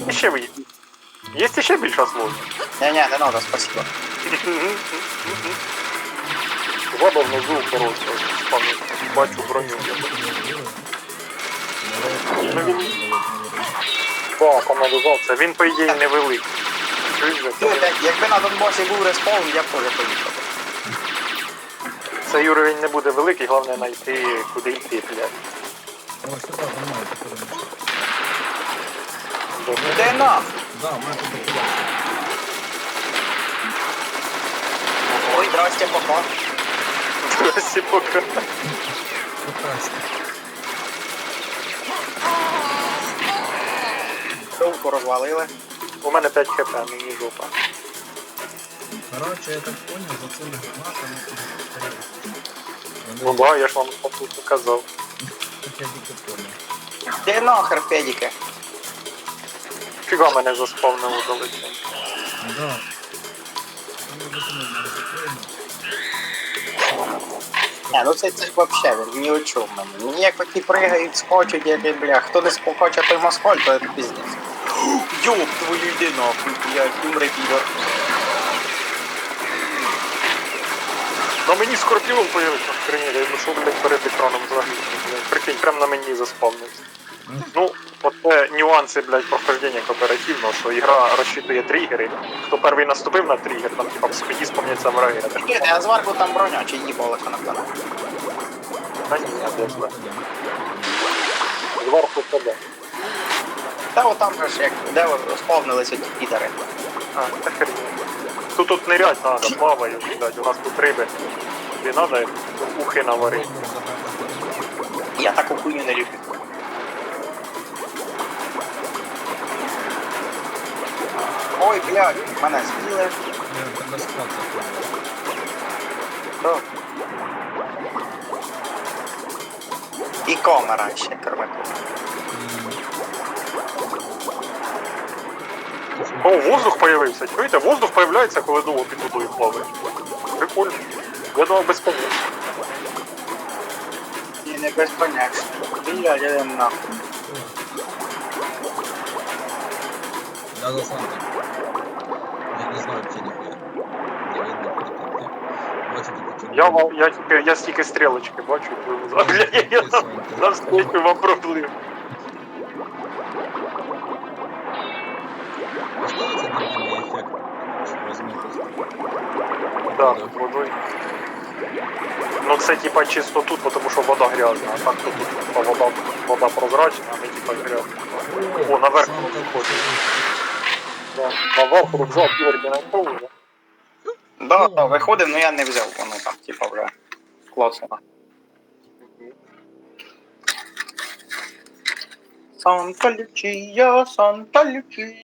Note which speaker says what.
Speaker 1: Ще ви. Є ще більша сложність.
Speaker 2: Не-не, не надо, спасибо.
Speaker 1: Вода внизу коротко, бачу броню. Так, каналізація. Він, по ідеї, невеликий.
Speaker 2: Якби на Донбасі був респаун, я б теж поїхав.
Speaker 1: Цей уровень не буде великий, головне знайти, куди йти, блядь.
Speaker 3: О, сюда, за мной,
Speaker 2: Де нам?
Speaker 3: Да, у меня тут документ.
Speaker 2: Ой, здрасте, пока.
Speaker 1: Всі поки.
Speaker 3: Прекрасно.
Speaker 2: Довку розвалили.
Speaker 1: У мене 5 хп, мені жопа.
Speaker 3: Короче, я так понял, за цими гранатами
Speaker 1: Ну да, я ж вам тут казав.
Speaker 3: Так я тільки понял.
Speaker 2: Де нахер, педіки?
Speaker 1: Фіга мене заспавнило далеко.
Speaker 3: Да. Ну, за цими гранатами.
Speaker 2: Не, ну це ж вообще, він ні о чому мені. Мені як такі пригають, скочуть, як бля. Хто не скоче, той москаль, то це пиздець. Ёб твою йди нахуй, блядь, умри підор.
Speaker 1: На мені скорпіон появився в країні, я йшов, блядь, перед екраном взагалі. Прикинь, прям на мені заспавнився. Ну, от це нюанси, блядь, прохождення кооперативного, що ігра розчитує тригери. Хто перший наступив на тригер, там типа в спині спомняться враги.
Speaker 2: Ні, а зварку там броня, чи їбали канапана.
Speaker 1: Та ні, я не знаю. Зверху тебе.
Speaker 2: Та от там же ж як, де сповнилися ті підари.
Speaker 1: А, та хрень. Тут нырять надо, плаваю, блядь, у нас тут риби. Тобі надо ухи наварити.
Speaker 2: Я таку хуйню не люблю. Ой, блядь, мене з'їли.
Speaker 3: Я тебе склад такой.
Speaker 2: Да. І камера ще, кормаку.
Speaker 1: О, воздух появився. Чуєте, воздух появляється, коли довго під водою плаваєш. Прикольно. Я думав безконечно.
Speaker 2: Ні, не безконечно. Блядь, я нахуй.
Speaker 3: Я за Сантой. Я не знаю, где нихуя. Не видно, куда ты. Бачу, тільки
Speaker 1: Я стільки стрілочки бачу, а бля, я навскільки вам проплив.
Speaker 3: Оставится длительный эффект размытости.
Speaker 1: Да, водою. Ну це типа чисто тут, тому що вода грязна, а так то тут типа, вода прозрачна, а не типа грязна. О, наверх виходить. Да, наверх рюкзак Георгій знайшов вже.
Speaker 2: Да, виходив, но я не взяв, воно там, типа, вже клацано. Санта Лючія, Санта Лючія.